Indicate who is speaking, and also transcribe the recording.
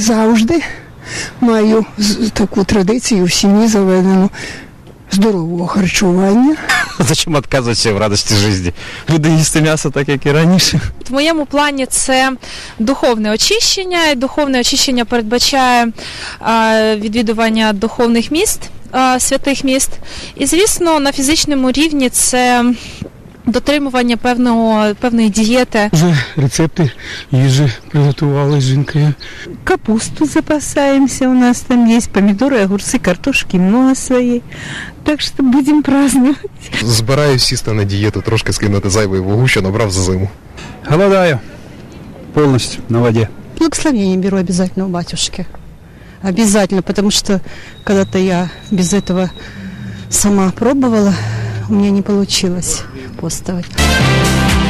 Speaker 1: завжди маю таку традицію в сім'ї заведену здорового харчування.
Speaker 2: Зачем відказуватися в радості життя? Буде їсти м'ясо так, як і раніше.
Speaker 3: В моєму плані це духовне очищення. І духовне очищення передбачає відвідування духовних міст, святих міст. І, звісно, на фізичному рівні це дотримування певної дієти.
Speaker 4: Вже рецепти їжі приготували з жінкою.
Speaker 5: Капусту запасаемся, у нас там есть помидоры, огурцы, картошки много своей. Так что будем праздновать.
Speaker 6: Збираюсь сісти на дієту, трошки скинути зайвої вагу, що набрав за зиму.
Speaker 7: Голодаю полностью на воде.
Speaker 8: Благословение беру обязательно у батюшки. Обязательно, потому что когда-то я без этого сама пробовала, у меня не получилось постовать.